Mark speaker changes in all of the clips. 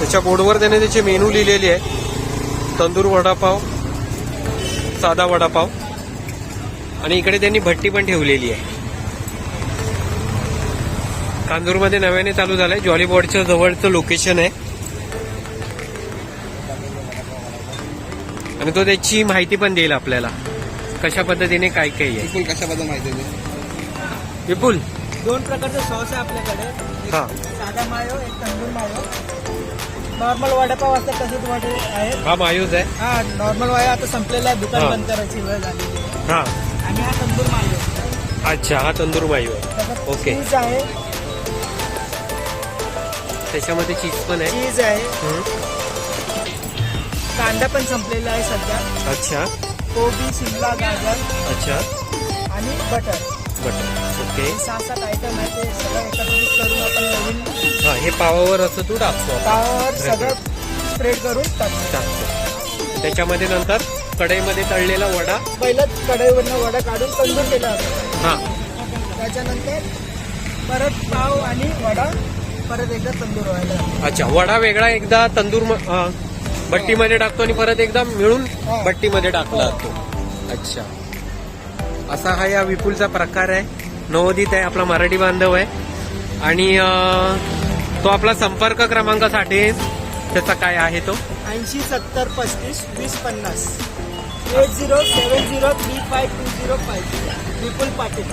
Speaker 1: त्याच्या बोर्डवर त्याने त्याचे मेनू लिहिलेले आहे. तंदूर वडापाव, साधा वडापाव आणि इकडे त्यांनी भट्टी पण ठेवलेली आहे. कांजूरमध्ये नव्याने चालू झालंय. जॉलीबॉडच्या जवळचं लोकेशन आहे आणि तो त्याची माहिती पण देईल आपल्याला कशा पद्धतीने काय काय आहे.
Speaker 2: विपुल कशाबद्दल माहिती आहे?
Speaker 1: विपुल,
Speaker 3: 2 प्रकारचे सॉस आहे आपल्याकडे. एक
Speaker 1: हा
Speaker 3: साधा मायो, एक तंदूर मायो. नॉर्मल वडापाव असतात तसेच वडे आहेत.
Speaker 1: हा मायूज आहे.
Speaker 3: हा नॉर्मल मायो आता संपलेला आहे, दुकान
Speaker 1: हा.
Speaker 3: बंद करायची वेळ झालेली आहे.
Speaker 1: हा
Speaker 3: आणि हा तंदूर मायो.
Speaker 1: अच्छा, हा तंदूर मायू आहे.
Speaker 3: त्याच्यात
Speaker 1: ओके.
Speaker 3: चीज आहे,
Speaker 1: त्याच्यामध्ये चीज पण आहे.
Speaker 3: चीज आहे,
Speaker 1: हम्म.
Speaker 3: कांदा पण संपलेला आहे सध्या,
Speaker 1: अच्छा
Speaker 3: कोबी, शिमला, गाजर
Speaker 1: अच्छा,
Speaker 3: आणि बटर.
Speaker 1: बटर. ओके.
Speaker 3: 6-7 आयटम आहे, ते सगळं एकत्रित करून आपण नवीन
Speaker 1: हा, हे पावावर असं तू टाकतो.
Speaker 3: पावावर सगळं स्प्रेड करून टाकतो.
Speaker 1: टाकतो. त्याच्यामध्ये नंतर कढईमध्ये तळलेला वडा.
Speaker 3: पहिलं कढईवरनं वडा काढून तंदूर केला होता.
Speaker 1: हा
Speaker 3: त्याच्यानंतर परत पाव आणि वडा परत एकदा तंदूर व्हायला.
Speaker 1: अच्छा, वडा वेगळा एकदा तंदूर भट्टीमध्ये टाकतो आणि परत एकदा मिळून
Speaker 3: हा.
Speaker 1: भट्टीमध्ये टाकला जातो. अच्छा, असा हा या विपुलचा प्रकार आहे. नवोदित आहे, आपला मराठी बांधव आहे आणि तो आपला संपर्क क्रमांकासाठी त्याचा काय आहे तो
Speaker 3: 80 70 35 20 50 8070352005 विपुल पाटील.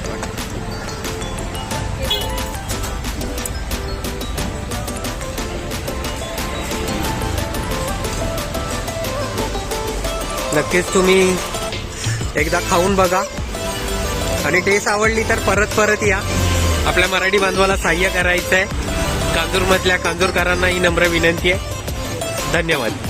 Speaker 1: नक्कीच तुम्ही एकदा खाऊन बघा आणि टेस्ट आवडली तर परत परत या. आपल्या मराठी बांधवाला सहाय्य करायचं आहे. कांजूरमधल्या कांजूरकरांना ही नम्र विनंती आहे. धन्यवाद.